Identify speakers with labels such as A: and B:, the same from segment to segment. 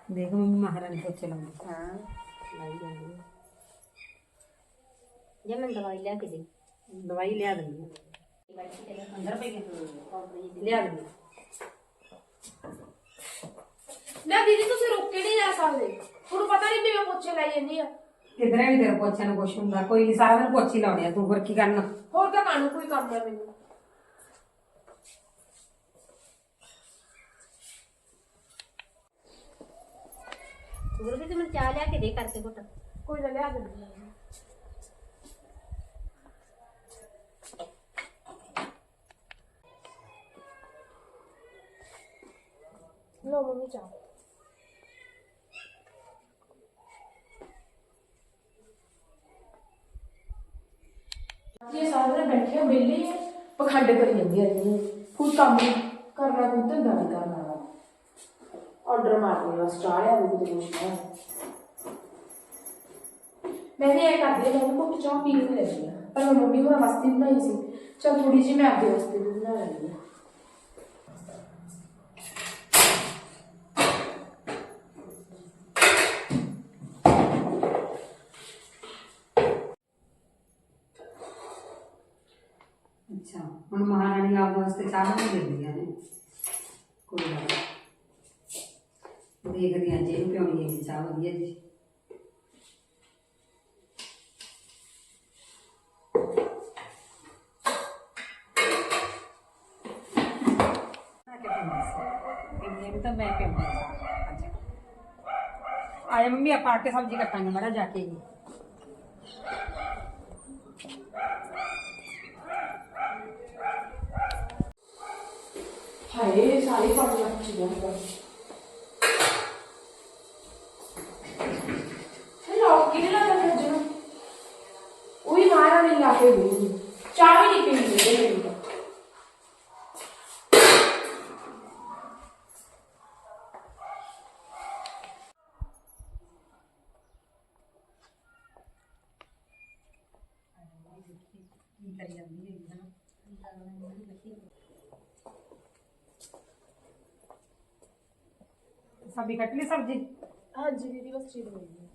A: देख मम्मी महारानी पोछे लाऊंगी।
B: हाँ लाई जानी जे मैं दवाई लिया के दी
A: दवाई लिया देंगी अंदर पे लिया देंगी।
C: ना दीदी तुसी रुक के नहीं जा सकते ਤੁਹਾਨੂੰ ਪਤਾ ਨਹੀਂ ਮੈਂ ਪੋਚੇ ਲਾਈ ਜਾਂਦੀ ਆ
A: किधर भी तेरे पोछे ने कुछ हुंदा कोई नहीं सारा दिन पोछी लाउणी तू फिर की करना
C: ਹੋਰ ਤਾਂ ਕਾਨੂੰ ਕੋਈ ਕੰਮ ਹੈ ਮੈਨੂੰ
B: गुरु भी तुम चाह लिया के दे करके घुट
C: ਕੋਈ ਨਾ ਲਿਆ ਦਿੰਦੀ ਆ ਲੋ ਮੰਮੀ ਚਾਹ ये सारे बैठे बेले पखंड करी जाती है कोई काम करना कोई धंधा नहीं करना ऑर्डर मारने बस चाह लिया वो कुछ है मैंने ये कर दिया मैंने कुछ चाह पी नहीं लगी पर मैं मम्मी होना वास्ते बनाई सी चल थोड़ी जी मैं आपके वास्ते भी बना लगी
A: अच्छा हम महारानी आप वास्ते चाह नहीं देंदी है कोई गल देखदी हां जी पियोनी है चाह वधिया जी तो मैं पियोनी आए मम्मी आप आके सब्जी कटांगे माड़ा जाके ही
C: हाय सारी काम लग चुकी है हेलो किने लगा था जो वही मारा नहीं लाके हुई चाय नहीं पीनी है
A: सब्जी कट ली सब्जी
C: हाँ जी दीदी बस चीज नहीं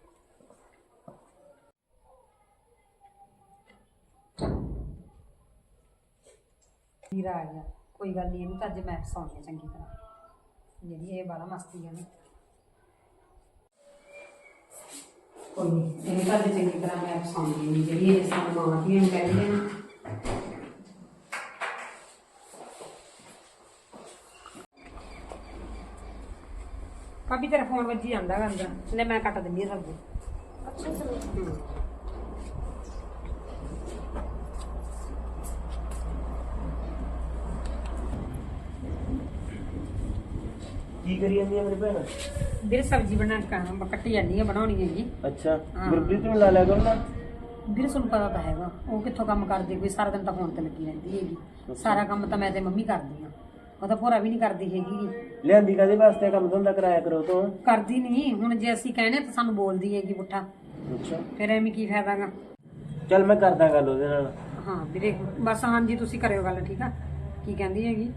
A: हीरा आ गया कोई गल नहीं इन्हू तो अज मैं फसाउणी चंगी तरह जी ये बड़ा मस्ती है ना कोई नहीं इन्हू तो अज चंगी तरह मैं फसाउणी जी ये सानू मां धियां कहंदे ना भाभी तेरा फोन वजी जाता है अंदर ले मैं कट दिंदी सब्जी
C: अच्छा सर
D: की करी जांदी है मेरी भैन
A: ਵੀਰ सब्जी बना कट्टी जानी है बनानी है जी
D: अच्छा
A: हाँ।
D: गुरप्रीत ਨੂੰ ਲਾ ਲਿਆ ਕਰੋ ਨਾ
A: ਵੀਰ ਤੁਹਾਨੂੰ ਪਤਾ ਤਾਂ ਹੈਗਾ ਉਹ ਕਿੱਥੋਂ ਕੰਮ ਕਰਦੀ ਕੋਈ ਸਾਰਾ ਦਿਨ ਤਾਂ ਫੋਨ ਤੇ ਲੱਗੀ ਰਹਿੰਦੀ ਹੈਗੀ ਸਾਰਾ ਕੰਮ ਤਾਂ ਮੈਂ ਤੇ ਮੰਮੀ ਕਰਦੀ ਆ ਉਹ ਤਾਂ ਭੋਰਾ ਵੀ ਨਹੀਂ ਕਰਦੀ ਹੈਗੀ
D: ਲਿਆਂਦੀ ਕਾਦੇ ਵਾਸਤੇ ਕੰਮ ਧੰਦਾ ਕਰਾਇਆ ਕਰੋ ਤੂੰ
A: ਕਰਦੀ ਨਹੀਂ ਹੁਣ ਜੇ ਅਸੀਂ ਕਹਿੰਦੇ ਤਾਂ ਸਾਨੂੰ ਬੋਲਦੀ ਹੈਗੀ ਪੁੱਠਾ
D: ਅੱਛਾ
A: ਫਿਰ ਐਵੇਂ ਕੀ ਫਾਇਦਾਗਾ
D: ਚੱਲ ਮੈਂ ਕਰਦਾ ਗੱਲ ਉਹਦੇ ਨਾਲ
A: ਹਾਂ ਵੀਰੇ ਬਸ ਹਾਂਜੀ ਤੁਸੀਂ ਕਰਿਓ ਗੱਲ ਠੀਕ ਆ ਕੀ ਕਹਿੰਦੀ ਹੈਗੀ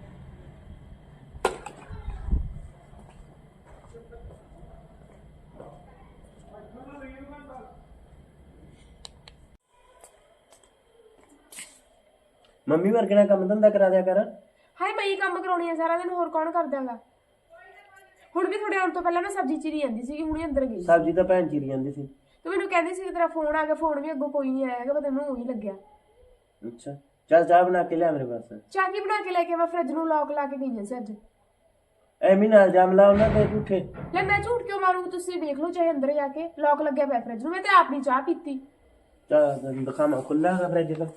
D: ਮੰਮੀ ਵਰਗੇ ਨਾਲ ਕੰਮ ਧੰਦਾ ਕਰਾ ਦਿਆ ਕਰ
C: ਹਾਏ ਮੈਂ ਹੀ ਕੰਮ ਕਰਾਉਣੀ ਆ ਸਾਰਾ ਦਿਨ ਹੋਰ ਕੌਣ ਕਰਦਾਗਾ ਹੁਣ ਵੀ ਥੋੜੇ ਆਉਣ ਤੋਂ ਪਹਿਲਾਂ ਮੈਂ ਸਬਜ਼ੀ ਚੀਰੀ ਜਾਂਦੀ ਸੀ ਹੁਣੇ ਅੰਦਰ ਗਈ
D: ਸਬਜ਼ੀ ਤਾਂ ਭੈਣ ਚੀਰੀ ਜਾਂਦੀ ਸੀ
C: ਤੇ ਮੈਨੂੰ ਕਹਿੰਦੀ ਸੀ ਕਿ ਤੇਰਾ ਫੋਨ ਆ ਗਿਆ ਫੋਨ ਵੀ ਅੱਗੋਂ ਕੋਈ ਨਹੀਂ ਆਇਆਗਾ ਪਰ ਤੈਨੂੰ ਉਹੀ ਲੱਗਿਆ
D: ਅੱਛਾ ਚੱਲ ਚਾਹ ਬਣਾ ਕੇ ਲਿਆ ਮੇਰੇ ਪਾਸ
C: ਚਾਹ ਕੀ ਬਣਾ ਕੇ ਲੈ ਕੇ ਮੈਂ ਫ੍ਰਿਜ ਨੂੰ ਲੌਕ ਲਾ ਕੇ ਗਈ ਸੀ ਅੱਜ
D: ਐਵੇਂ ਨਾ ਇਲਜ਼ਾਮ ਲਾ ਉਹਨਾਂ ਤੇ ਝੂਠੇ
C: ਲੈ ਮੈਂ ਝੂਠ ਕਿਉਂ ਮਾਰੂ ਤੁਸੀਂ ਵੇਖ ਲਓ ਚਾਹੇ ਅੰਦਰ ਜਾ ਕੇ ਲੌਕ ਲੱਗਿਆ ਪਿਆ ਫ੍ਰਿਜ ਨੂੰ ਮੈਂ ਤੇ ਆਪ ਨਹੀਂ ਚਾਹ ਪੀਤੀ
D: ਚਾਹ ਦਿਖਾਵਾਂ ਖੁੱਲਾ ਹੈਗਾ ਫਰਿੱਜ ਤਾਂ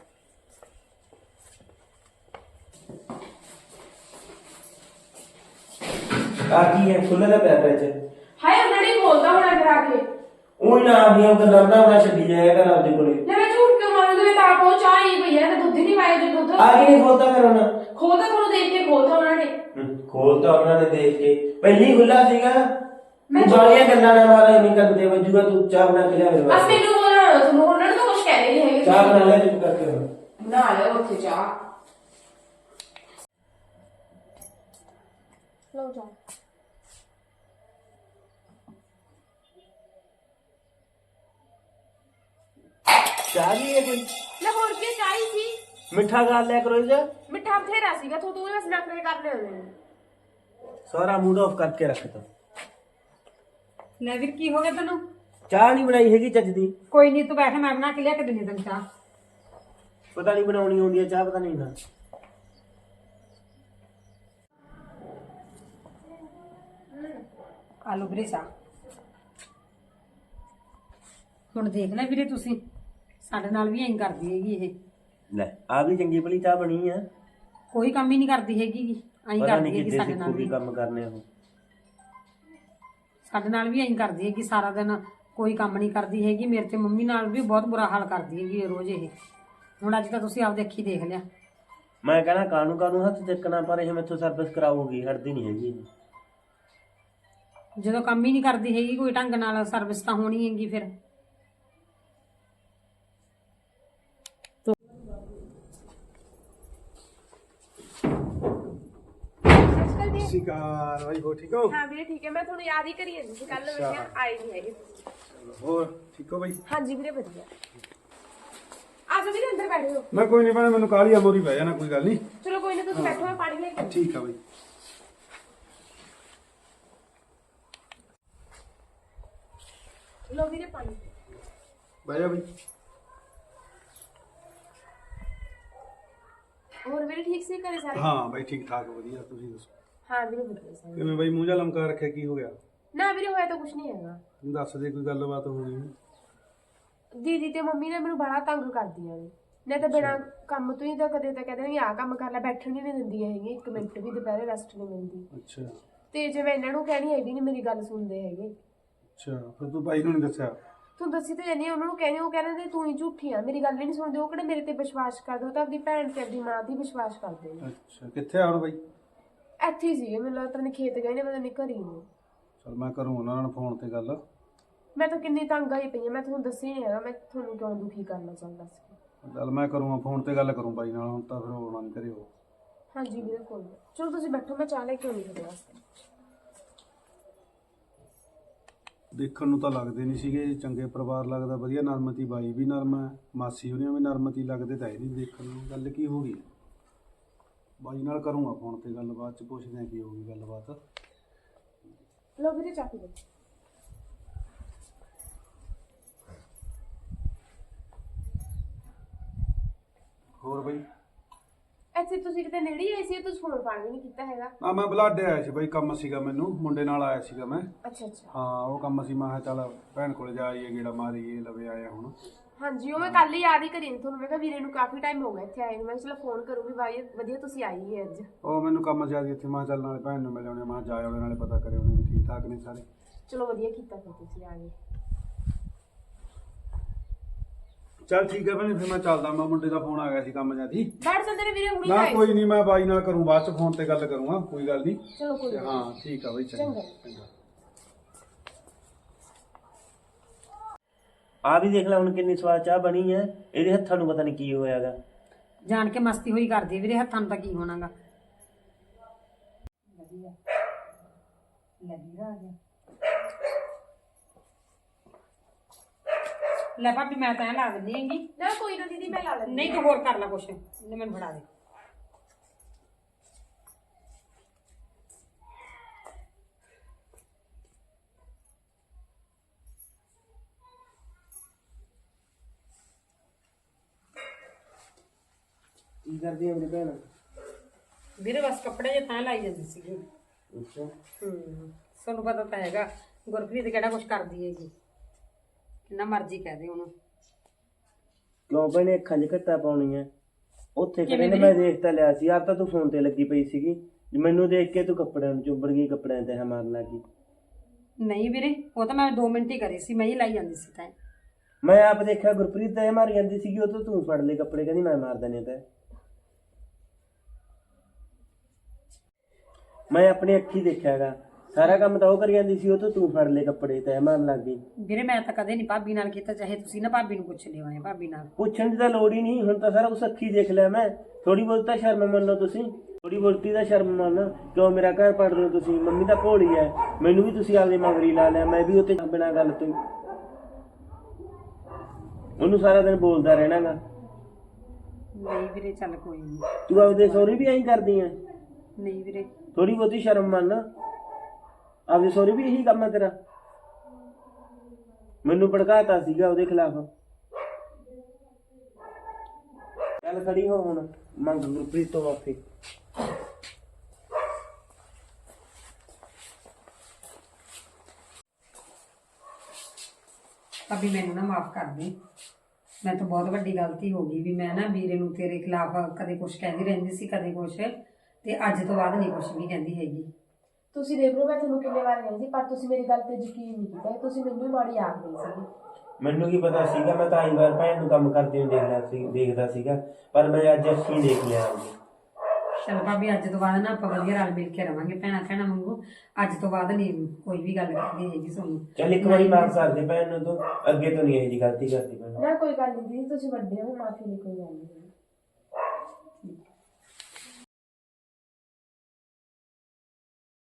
D: ਆ ਕੀ ਹੈ ਖੁੱਲਾ ਦਾ ਪਿਆ ਫਰਿੱਜ
C: ਹਾਏ ਉਹਨਾਂ ਨੇ ਖੋਲਦਾ ਹੋਣਾ ਕਰਾ ਕੇ
D: ਉਹ ਨਾ ਆਪਣੀਆਂ ਉਹ ਗੱਲਾਂ ਬਣਾ ਛੱਡੀ ਜਾਇਆ ਕਰ ਆਪਦੇ ਕੋਲੇ
C: ਲੈ ਮੈਂ ਝੂਠ ਕਿਉਂ ਮਾਰੂੰਗੀ ਮੈਂ ਤਾਂ ਆਪ ਉਹ ਚਾਹ ਹੀ ਪਈ ਹੈ ਤੇ ਦੁੱਧ ਹੀ ਨਹੀਂ ਪਾਇਆ ਜੇ ਦੁੱਧ
D: ਆ ਕੇ ਨਹੀਂ ਖੋਲਦਾ ਫਿਰ ਉਹਨਾਂ
C: ਖੋਲਦਾ ਤੁਹਾਨੂੰ ਦੇਖ ਕੇ ਖੋਲਦਾ ਉਹਨਾਂ ਨੇ
D: ਖੋਲਦਾ ਉਹਨਾਂ ਨੇ ਦੇਖ ਕੇ ਪਹਿਲੀ ਖੁੱਲਾ ਸੀਗਾ
C: ਮੈਂ
D: ਬਾਲੀਆਂ ਗੱਲਾਂ ਨਾ ਮਾਰਾ ਨਹੀਂ ਕਰਦੇ ਵੱਜੂਗਾ ਤੂੰ ਚਾਹ ਬਣਾ ਕੇ ਲਿਆ ਮੇਰੇ
C: ਬਸ
D: ਵਾਸਤੇ
C: ਮੈਨੂੰ ਬੋਲਣਾ ਤੁਹਾਨੂੰ ਉਹਨਾਂ ਨੇ ਤਾਂ ਕੁਝ ਕਹਿ ਨਹੀਂ ਹੈਗੇ
D: ਚਾਹ ਬਣਾ ਲੈ ਚੁੱਪ ਕਰਕੇ ਹੁਣ
C: ਬਣਾ ਲਿਆ ਉੱਥੇ ਚਾਹ ਲਓ ਚਾਹ
D: ਚਾਹ ਨਹੀਂ ਹੈ ਕੋਈ?
C: ਲੈ ਹੋਰ ਕੀ ਚਾਹੀ ਸੀ?
D: ਮਿੱਠਾ ਖਾ ਲਿਆ ਕਰੋ ਜੀ।
C: ਮਿੱਠਾ ਬਥੇਰਾ ਸੀਗਾ ਤੂੰ ਬਸ ਨਖਰੇ ਕਰ ਲਿਓ ਨੇ।
D: ਸਾਰਾ ਮੂਡ ਆਫ ਕਰਕੇ ਰੱਖਤਾ।
A: ਲੈ ਵੀਰ ਕੀ ਹੋ ਗਿਆ ਤੈਨੂੰ?
D: ਚਾਹ ਨਹੀਂ ਬਣਾਈ ਹੈਗੀ ਚੱਜ ਦੀ।
A: ਕੋਈ ਨਹੀਂ ਤੂੰ ਬੈਠ, ਮੈਂ ਬਣਾ ਕੇ ਲਿਆ ਕੇ ਦਿੰਦੀ ਤੈਨੂੰ ਚਾਹ।
D: ਪਤਾ ਨਹੀਂ ਬਣਾਉਣੀ ਆਉਂਦੀ ਹੈ ਚਾਹ, ਪਤਾ ਨਹੀਂ ਨਾ।
A: ਆਲੂ ਵੀਰੇ ਚਾਹ। ਹੁਣ ਦੇਖ ਲੈ ਵੀਰੇ ਤੁਸੀਂ, ਸਾਡੇ ਨਾਲ ਵੀ ਐਂ ਕਰਦੀ ਹੈਗੀ ਇਹ।
D: ਲੈ ਆ ਵੀ ਚੰਗੀ ਭਲੀ ਚਾਹ ਬਣੀ ਆ।
A: ਕੋਈ ਕੰਮ ਹੀ ਨਹੀਂ ਕਰਦੀ ਹੈਗੀ ਗੀ, ਐਂ
D: ਪਤਾ
A: ਕਰਦੀ
D: ਨਹੀਂ
A: ਹੈਗੀ
D: ਕਿੱਥੇ
A: ਸਾਡੇ ਨਾਲ
D: ਸਿੱਖੂ ਵੀ
A: ਵੀ।
D: ਕੰਮ ਕਰਨੇ ਉਹ।
A: ਸਾਡੇ ਨਾਲ ਵੀ ਐਂ ਕਰਦੀ ਹੈਗੀ, ਸਾਰਾ ਦਿਨ ਕੋਈ ਕੰਮ ਨਹੀਂ ਕਰਦੀ ਹੈਗੀ। ਮੇਰੇ ਤੇ ਮੰਮੀ ਨਾਲ ਵੀ ਬਹੁਤ ਬੁਰਾ ਹਾਲ ਕਰਦੀ ਹੈਗੀ ਇਹ ਰੋਜ਼ ਇਹ। ਹੁਣ ਅੱਜ ਤਾਂ ਤੁਸੀਂ ਆਪਦੇ ਅੱਖੀ ਦੇਖ ਲਿਆ।
D: ਮੈਂ ਕਹਿੰਦਾ ਕਾਨੂੰ ਕਾਨੂੰ ਹੱਥ ਚੱਕਣਾ, ਪਰ ਇਹ ਮੈਥੋਂ ਸਰਵਿਸ ਕਰਾਉਗੀ, ਹਟਦੀ ਨਹੀਂ ਹੈਗੀ ਇਹ।
A: ਜਦੋਂ ਕੰਮ ਹੀ ਨਹੀਂ ਕਰਦੀ ਹੈਗੀ ਕੋਈ ਢੰਗ ਨਾਲ, ਸਰਵਿਸ ਤਾਂ ਹੋਣੀ ਹੈਗੀ ਫਿਰ।
C: ਅੱਜਕੱਲ
E: ਸਿਕਾਰ ਭਾਈ ਹੋ ਠੀਕ ਹੋ?
C: ਹਾਂ ਵੀਰੇ ਠੀਕ ਹੈ। ਮੈਂ ਤੁਹਾਨੂੰ ਯਾਦ ਹੀ ਕਰੀ ਜਾਂਦੀ ਸੀ, ਕੱਲ ਮੈਂ ਕਿਹਾ ਆਏ ਨਹੀਂ ਹੈਗੇ।
E: ਹੋਰ ਠੀਕ ਹੋ ਭਾਈ?
C: ਹਾਂਜੀ ਵੀਰੇ ਵਧੀਆ। ਆ ਜਾਓ ਵੀਰੇ ਅੰਦਰ ਬੈਠੋ।
E: ਮੈਂ ਕੋਈ ਨਹੀਂ ਭੈਣੇ, ਮੈਨੂੰ ਕਾਹਲੀ ਆ, ਮੋਰੀ ਬਹਿ ਜਾਣਾ, ਕੋਈ ਗੱਲ ਨਹੀਂ।
C: ਚਲੋ ਕੋਈ ਨਾ ਤੁਸੀਂ ਬੈਠੋ, ਮੈਂ ਪਾਣੀ ਲੈ ਕੇ ਆਉਂਦੀ।
E: ਠੀਕ ਆ ਭਾਈ।
C: ਲੋ ਵੀਰੇ ਪਾਣੀ।
E: ਬਹਿ ਜਾ ਭਾਈ।
C: ਹੋਰ ਵੀਰੇ ਠੀਕ ਸੀ ਘਰੇ ਸਾਰੇ?
E: ਹਾਂ ਭਾਈ ਠੀਕ ਠਾਕ ਵਧੀਆ, ਤੁਸੀਂ ਦੱਸੋ?
C: ਹਾਂ ਵੀਰੇ ਵਧੀਆ ਸਾਰੇ।
E: ਕਿਵੇਂ ਭਾਈ ਮੂੰਹ ਜਾ ਲਮਕਾ ਰੱਖਿਆ, ਕੀ ਹੋ ਗਿਆ?
C: ਨਾ ਵੀਰੇ ਹੋਇਆ ਤਾਂ ਕੁਝ ਨਹੀਂ ਹੈਗਾ।
E: ਤੂੰ ਦੱਸ ਦੇ, ਕੋਈ ਗੱਲਬਾਤ ਹੋ ਗਈ?
C: ਦੀਦੀ ਤੇ ਮੰਮੀ ਨੇ ਮੈਨੂੰ ਬੜਾ ਤੰਗ ਕਰਦੀਆਂ ਨੇ। ਨਹੀਂ ਤਾਂ ਬਿਨਾਂ ਕੰਮ ਤੋਂ ਹੀ ਤਾਂ ਕਦੇ ਤਾਂ ਕਹਿੰਦੇ ਨੇ ਆਹ ਕੰਮ ਕਰ ਲੈ, ਬੈਠਣ ਹੀ ਨਹੀਂ ਦਿੰਦੀਆਂ ਹੈਗੀਆਂ, ਇੱਕ ਮਿੰਟ ਵੀ ਦੁਪਹਿਰੇ ਰੈਸਟ ਨਹੀਂ ਮਿਲਦੀ।
E: ਅੱਛਾ
C: ਤੇ ਜੇ ਮੈਂ ਇਹਨਾਂ ਨੂੰ ਕਹਿਣੀ ਇਹ ਵੀ ਨਹੀਂ ਮੇਰੀ ਗੱਲ ਸੁਣਦੇ ਹੈਗੇ।
E: ਅੱਛਾ, ਫਿਰ ਤੂੰ ਭਾਈ ਨੂੰ ਨਹੀਂ ਦੱਸਿਆ?
C: ਤੂੰ ਦੱਸੀ ਤਾਂ ਜਾਨੀ ਉਹਨਾਂ ਨੂੰ ਕਹਿੰਦੇ, ਉਹ ਕਹਿੰਦੇ ਤੂੰ ਹੀ ਝੂਠੀ ਆ, ਮੇਰੀ ਗੱਲ ਹੀ ਨਹੀਂ ਸੁਣਦੇ। ਉਹ ਕਿਹੜੇ ਮੇਰੇ ਤੇ ਵਿਸ਼ਵਾਸ ਕਰਦੇ, ਉਹ ਤਾਂ ਆਪਣੀ ਭੈਣ ਤੇ ਆਪਣੀ ਮਾਂ ਤੇ ਵਿਸ਼ਵਾਸ ਕਰਦੇ ਨੇ।
E: ਅੱਛਾ, ਕਿੱਥੇ ਆ ਹੁਣ ਭਾਈ?
C: ਇੱਥੇ ਹੀ ਸੀਗੇ, ਮੈਨੂੰ ਲੱਗਦਾ ਨਹੀਂ ਖੇਤ ਗਏ ਨੇ, ਪਤਾ ਨਹੀਂ ਘਰੀ ਨੇ।
E: ਚਲ ਮੈਂ ਕਰੂੰ ਉਹਨਾਂ ਨਾਲ ਫੋਨ ਤੇ ਗੱਲ।
C: ਮੈਂ ਤਾਂ ਕਿੰਨੀ ਤੰਗ ਆਈ ਪਈ ਆ, ਮੈਂ ਤੁਹਾਨੂੰ ਦੱਸਿਆ ਨਹੀਂ ਹੈਗਾ, ਮੈਂ ਤੁਹਾਨੂੰ ਕਿਉਂ ਦੁਖੀ ਕਰਨਾ ਚਾਹੁੰਦਾ ਸੀ।
E: ਚੱਲ ਮੈਂ ਕਰੂੰਗਾ ਫੋਨ ਤੇ ਗੱਲ ਕਰੂੰ ਬਾਈ ਨਾਲ, ਹੁਣ ਤਾਂ ਫਿਰ ਹੋਣਾ ਨਹੀਂ ਕਰਿਓ।
C: ਹਾਂਜੀ ਵੀਰੇ ਕੋਈ ਨਾ, ਚਲੋ ਤੁਸੀਂ ਬੈਠੋ, ਮੈਂ ਚਾਹ ਲੈ ਕੇ ਆਉਂਦੀ ਤੁਹਾਡੇ ਵਾਸਤੇ।
E: ਦੇਖਣ ਨੂੰ ਤਾਂ ਲੱਗਦੇ ਨਹੀਂ ਸੀਗੇ ਚੰਗੇ ਪਰਿਵਾਰ, ਲੱਗਦਾ ਵਧੀਆ ਨਰਮਤੀ, ਬਾਈ ਵੀ ਨਰਮ ਹੈ, ਮਾਸੀ ਹੋਰੀਆਂ ਵੀ ਨਰਮਤੀ, ਲੱਗਦੇ ਤਾਂ ਇਹ ਨਹੀਂ ਦੇਖਣ ਨੂੰ। ਗੱਲ ਕੀ ਹੋ ਗਈ? ਬਾਈ ਨਾਲ ਕਰੂੰਗਾ ਫੋਨ ਤੇ ਗੱਲ, ਬਾਅਦ ਚ ਪੁੱਛਦੇ ਆ ਕੀ ਹੋ ਗਈ ਗੱਲਬਾਤ।
C: ਲੋ ਵੀਰੇ ਚਾਹ ਪੀ ਲਓ।
E: ਹੋਰ ਬਾਈ?
C: ਇੱਥੇ ਤੁਸੀਂ ਕਿਤੇ ਨੇੜੇ ਹੀ ਆਏ ਸੀ, ਤੁਸੀਂ ਫੋਨ ਫਾਨ ਵੀ ਨਹੀਂ ਕੀਤਾ ਹੈਗਾ?
E: ਆ ਮੈਂ ਬਲਾਡੇ ਆਇਆ ਸੀ ਬਾਈ, ਕੰਮ ਸੀਗਾ ਮੈਨੂੰ, ਮੁੰਡੇ ਨਾਲ ਆਇਆ ਸੀਗਾ ਮੈਂ।
C: ਅੱਛਾ ਅੱਛਾ।
E: ਹਾਂ ਉਹ ਕੰਮ ਸੀ, ਮੈਂ ਕਿਹਾ ਚੱਲ ਭੈਣ ਕੋਲ ਜਾ ਆਈਏ, ਗੇੜਾ ਮਾਰੀਏ, ਲਵੇ ਆਇਆ ਹੁਣ।
C: ਹਾਂਜੀ ਉਹ ਮੈਂ ਕੱਲ ਹੀ ਯਾਦ ਹੀ ਕਰੀ ਨੀ ਤੁਹਾਨੂੰ, ਮੈਂ ਕਿਹਾ ਵੀਰੇ ਨੂੰ ਕਾਫੀ ਟਾਈਮ ਹੋ ਗਿਆ ਇੱਥੇ ਆਏ ਨੂੰ, ਮੈਂ ਚਲੋ ਫੋਨ ਕਰੂੰਗੀ। ਬਾਈ ਵਧੀਆ ਤੁਸੀਂ ਆਈ ਹੀ ਅੱਜ।
E: ਉਹ ਮੈਨੂੰ ਕੰਮ ਜ਼ਿਆਦਾ ਇੱਥੇ, ਮੈਂ ਕਿਹਾ ਚੱਲ ਨਾਲੇ ਭੈਣ ਨੂੰ ਮਿਲ ਆਉਣੇ, ਮੈਂ ਕਿਹਾ ਜਾ ਆਉਣੇ, ਨਾਲੇ ਪਤਾ ਕਰੇ ਉਹਨੇ ਵੀ ਠੀਕ ਠਾਕ ਨੇ ਸਾਰੇ।
C: ਚਲੋ ਵਧੀਆ ਕੀਤਾ ਫਿਰ ਤੁਸੀਂ ਆ ਗਏ।
E: ਚੱਲ ਠੀਕ ਹੈ ਭੈਣੇ, ਫਿਰ ਮੈਂ ਚੱਲਦਾ, ਮੈਂ ਮੁੰਡੇ ਦਾ ਫੋਨ ਆ ਗਿਆ ਸੀ ਕੰਮ ਜਾਂਦੀ।
C: ਬੈਠ ਜਾਂਦੇ ਨੇ ਵੀਰੇ, ਹੁਣੀ
E: ਨਾ
C: ਆਏ
E: ਕੋਈ ਨਹੀਂ, ਮੈਂ ਬਾਈ ਨਾਲ ਕਰੂੰ ਬਾਅਦ ਚ, ਫੋਨ ਤੇ ਗੱਲ ਕਰੂੰਗਾ, ਕੋਈ ਗੱਲ ਨਹੀਂ।
C: ਚਲੋ ਕੋਈ ਨਾ।
E: ਹਾਂ ਠੀਕ ਆ ਬਾਈ, ਚੰਗਾ।
D: ਆ ਵੀ ਦੇਖ ਲੈ ਹੁਣ ਕਿੰਨੀ ਸਵਾਦ ਚਾਹ ਬਣੀ ਹੈ। ਇਹਦੇ ਹੱਥਾਂ ਨੂੰ ਪਤਾ ਨਹੀਂ ਕੀ ਹੋਇਆਗਾ।
A: ਜਾਣ ਕੇ ਮਸਤੀ ਹੋਈ ਕਰਦੀ ਵੀਰੇ, ਹੱਥਾਂ ਨੂੰ ਤਾਂ ਕੀ ਹੋਣਾਗਾ। ਵਧੀਆ ਆ ਗਿਆ। ਲੈ ਭਾਬੀ ਮੈਂ ਤਾਂ ਐਂ ਲਾ ਦਿੰਦੀ ਹੈਗੀ।
C: ਨਾ ਕੋਈ ਨਾ ਦੀਦੀ, ਮੈਂ ਲਾ ਲੈਂਦੀ।
A: ਨਹੀਂ ਤੂੰ ਹੋਰ ਕਰ ਲੈ ਕੁਛ, ਇਹਨੇ ਮੈਨੂੰ ਫੜਾ ਦੇ।
D: ਕੀ ਕਰਦੀ ਹੈ ਮੇਰੀ ਭੈਣ?
A: ਵੀਰੇ ਬਸ ਕੱਪੜੇ ਜੇ ਤਾਂ ਲਾਈ ਜਾਂਦੀ ਸੀਗੀ।
D: ਅੱਛਾ
A: ਤੁਹਾਨੂੰ ਪਤਾ ਤਾਂ ਹੈਗਾ ਗੁਰਪ੍ਰੀਤ ਕਿਹੜਾ ਕੁਛ ਕਰਦੀ ਹੈਗੀ, ਕਿੰਨਾ ਮਰਜ਼ੀ ਕਹਿ ਦੇ ਉਹਨੂੰ।
D: ਕਿਉਂ ਭੈਣੇ ਅੱਖਾਂ 'ਚ ਘੱਟਾ ਪਾਉਣੀ ਹੈ? ਉੱਥੇ ਕਿਹਨੇ ਨੇ, ਮੈਂ ਦੇਖ ਤਾਂ ਲਿਆ ਸੀ ਯਾਰ, ਤਾਂ ਤੂੰ ਫੋਨ ਤੇ ਲੱਗੀ ਪਈ ਸੀਗੀ, ਮੈਨੂੰ ਦੇਖ ਕੇ ਤੂੰ ਕੱਪੜਿਆਂ ਨੂੰ ਚੁੱਬੜ ਗਈ, ਕੱਪੜਿਆਂ ਤੇ ਮਾਰਨ ਲੱਗੀ।
A: ਨਹੀਂ ਵੀਰੇ ਉਹ ਤਾਂ ਮੈਂ 2 ਮਿੰਟ ਹੀ ਕਰੀ ਸੀ, ਮੈਂ ਹੀ ਲਾਈ ਜਾਂਦੀ ਸੀ ਤਾਂ।
D: ਮੈਂ ਆਪ ਦੇਖਿਆ ਗੁਰਪ੍ਰੀਤ ਤਾਂ ਇਹ ਮਾਰੀ ਜਾਂਦੀ ਸੀਗੀ, ਉਹ ਤੋਂ ਤੂੰ ਫੜ ਲਏ ਕੱਪੜੇ, ਕਹਿੰਦੀ ਮੈਂ ਮਾਰ ਦਨੇ ਤਾਂ। ਮੈਂ ਆਪਣੀ ਅੱਖੀ ਦੇਖਿਆਗਾ, ਸਾਰਾ ਕੰਮ ਤਾਂ ਉਹ ਕਰੀ ਜਾਂਦੀ ਸੀ, ਉਹ ਤੋਂ ਤੂੰ ਫੜ ਲਏ ਕੱਪੜੇ ਤੈਅ ਮਾਰਨ ਲੱਗ ਗਈ।
A: ਵੀਰੇ ਮੈਂ ਤਾਂ ਕਦੇ ਨਹੀਂ ਭਾਬੀ ਨਾਲ ਕੀਤਾ, ਚਾਹੇ ਤੁਸੀਂ ਨਾ ਭਾਬੀ ਨੂੰ ਪੁੱਛ ਲਿਓ। ਭਾਬੀ ਨਾਲ
D: ਪੁੱਛਣ ਦੀ ਤਾਂ ਲੋੜ ਹੀ ਨਹੀਂ, ਹੁਣ ਤਾਂ ਸਾਰਾ ਕੁਛ ਅੱਖੀ ਦੇਖ ਲਿਆ ਮੈਂ। ਥੋੜੀ ਬਹੁਤ ਤਾਂ ਸ਼ਰਮ ਮੰਨੋ ਤੁਸੀਂ, ਥੋੜੀ ਬਹੁਤੀ ਦਾ ਸ਼ਰਮ ਮੰਨ। ਕਿਉਂ ਮੇਰਾ ਘਰ ਪੜਦੇ ਹੋ ਤੁਸੀਂ? ਮੰਮੀ ਤਾਂ ਭੋਲੀ ਹੈ, ਮੈਨੂੰ ਵੀ ਤੁਸੀਂ ਆਪਦੇ ਮਗਰੀ ਲਾ ਲਿਆ, ਮੈਂ ਵੀ ਉੱਤੇ ਬਿਨਾਂ ਗੱਲ ਤੋਂ ਹੀ। ਉਹਨੂੰ ਸਾਰਾ ਦਿਨ ਬੋਲਦਾ ਰਹਿਣਾਗਾ।
A: ਨਹੀਂ ਵੀਰੇ ਚੱਲ ਕੋਈ ਨਹੀਂ।
D: ਤੂੰ ਆਪਦੇ ਸਹੁਰੇ ਵੀ ਐਂ ਕਰਦੀ ਐ?
A: ਨਹੀਂ ਵੀਰੇ
D: ਥੋੜੀ ਬਹੁਤੀ ਸ਼ਰਮ ਮੰਨ। ਆਪਦੇ ਸਹੁਰੇ ਵੀ ਇਹੀ ਕੰਮ ਹੈ ਤੇਰਾ? ਮੈਨੂੰ ਭੜਕਾਤਾ ਸੀਗਾ ਉਹਦੇ ਖਿਲਾਫ। ਚੱਲ ਖੜੀ ਹੋ ਹੁਣ, ਮੰਗ ਗੁਰਪ੍ਰੀਤ ਤੋਂ ਮਾਫੀ।
A: ਭਾਬੀ ਮੈਨੂੰ ਨਾ ਮਾਫ ਕਰ ਦੇ। ਮੈਂ ਤਾਂ ਬਹੁਤ ਵੱਡੀ ਗਲਤੀ ਹੋ ਗਈ ਵੀ ਮੈਂ ਨਾ ਵੀਰੇ ਨੂੰ ਤੇਰੇ ਖਿਲਾਫ ਕਦੇ ਕੁਝ ਕਹਿੰਦੀ ਰਹਿੰਦੀ ਸੀ, ਕਦੇ ਕੁਝ, ਤੇ ਅੱਜ ਤੋਂ ਬਾਅਦ ਨਹੀਂ ਕੁਝ ਵੀ ਕਹਿੰਦੀ ਹੈਗੀ।
C: ਤੁਸੀਂ ਦੇਖ ਲਓ, ਮੈਂ ਤੁਹਾਨੂੰ ਕਿੰਨੇ ਵਾਰ ਕਹਿੰਦੀ ਪਰ ਤੁਸੀਂ ਮੇਰੀ ਗੱਲ ਤੇ ਯਕੀਨ ਨਹੀਂ ਕੀਤਾ। ਤੁਸੀਂ ਮੈਨੂੰ ਹੀ ਮਾੜੀ ਆਖ ਗਈ ਸੀਗੀ।
D: ਮੈਨੂੰ ਕੀ ਪਤਾ ਸੀਗਾ, ਮੈਂ ਤਾਂ ਆਈ ਵਾਰ ਭੈਣ ਨੂੰ ਕੰਮ ਕਰਦੀ ਨੂੰ ਦੇਖਦਾ ਸੀਗਾ, ਪਰ ਮੈਂ ਅੱਜ ਅੱਖੀਂ ਦੇਖ ਲਿਆ।
A: ਚਲ ਭਾਬੀ ਅੱਜ ਤੋਂ ਬਾਅਦ ਨਾ ਆਪਾਂ ਵਧੀਆ ਰਲ ਮਿਲ ਕੇ ਰਵਾਂਗੇ ਭੈਣਾਂ ਭੈਣਾਂ ਵਾਂਗੂ। ਅੱਜ ਤੋਂ ਬਾਅਦ ਨਹੀਂ ਕੋਈ ਵੀ ਗੱਲ ਕਰਦੀ ਹੈਗੀ ਤੁਹਾਨੂੰ।
D: ਚੱਲ ਇੱਕ ਵਾਰੀ ਮਾਫ ਕਰ ਦੇ ਭੈਣ ਨੂੰ, ਤੂੰ ਅੱਗੇ ਤੋਂ ਨਹੀਂ ਇਹੋ ਜਿਹੀ ਗਲਤੀ ਕਰਦੀ ਭੈਣ।
C: ਨਾ ਕੋਈ ਗੱਲ ਨਹੀਂ ਦੀਦੀ, ਤੁਸੀਂ ਵੱਡੇ ਹੋ, ਮਾਫੀ ਦੀ ਕੋਈ ਗੱਲ ਨਹੀਂ।